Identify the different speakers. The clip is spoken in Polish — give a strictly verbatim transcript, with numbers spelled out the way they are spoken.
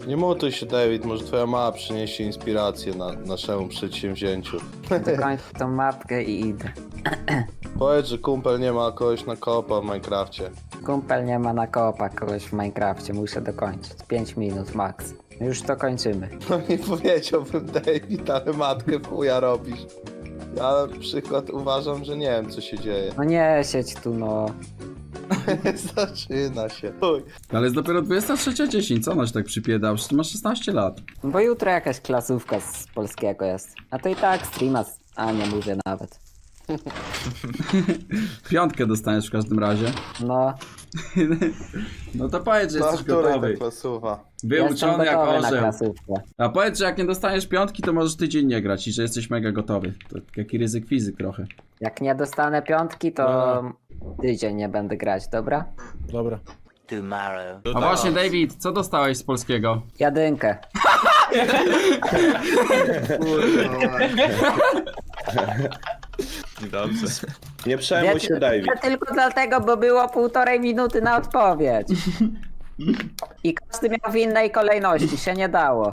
Speaker 1: Nie mutuj się, David, może twoja mama przyniesie inspirację na naszemu przedsięwzięciu.
Speaker 2: Dokończę tą mapkę i idę.
Speaker 1: Powiedz, że kumpel nie ma kogoś na koopa w Minecrafcie.
Speaker 2: Kumpel nie ma na koopa kogoś w Minecrafcie, muszę dokończyć. pięć minut max. Już to kończymy.
Speaker 1: No nie powiedziałbym, David, ale matkę w chuja robisz. Ja na przykład uważam, że nie wiem, co się dzieje.
Speaker 2: No nie siedź tu, no.
Speaker 1: Zaczyna się. Chuj.
Speaker 3: Ale jest dopiero dwudziesta trzecia dziesięć, co ona się tak przypieda? Przecież ty masz szesnaście lat.
Speaker 2: Bo jutro jakaś klasówka z polskiego jest. A to i tak streama, z... a nie mówię nawet.
Speaker 3: Piątkę dostaniesz w każdym razie.
Speaker 2: No,
Speaker 3: No to powiedz, że
Speaker 1: Na
Speaker 3: jesteś
Speaker 1: której
Speaker 3: gotowy.
Speaker 1: ta klasuwa?
Speaker 2: jestem
Speaker 3: Wyuczony jak
Speaker 2: gotowy na
Speaker 3: orzeł.
Speaker 2: klasówkę.
Speaker 3: A powiedz, że jak nie dostaniesz piątki, to możesz tydzień nie grać i że jesteś mega gotowy. To taki ryzyk fizyk trochę.
Speaker 2: Jak nie dostanę piątki, to tydzień nie będę grać, dobra?
Speaker 4: Dobra.
Speaker 5: Tomorrow.
Speaker 3: A właśnie, David, co dostałeś z polskiego?
Speaker 2: Jadynkę.
Speaker 6: Dobrze.
Speaker 4: Nie przejmuj się, David.
Speaker 2: Ja tylko dlatego, bo było półtorej minuty na odpowiedź. I każdy miał w innej kolejności, się nie dało.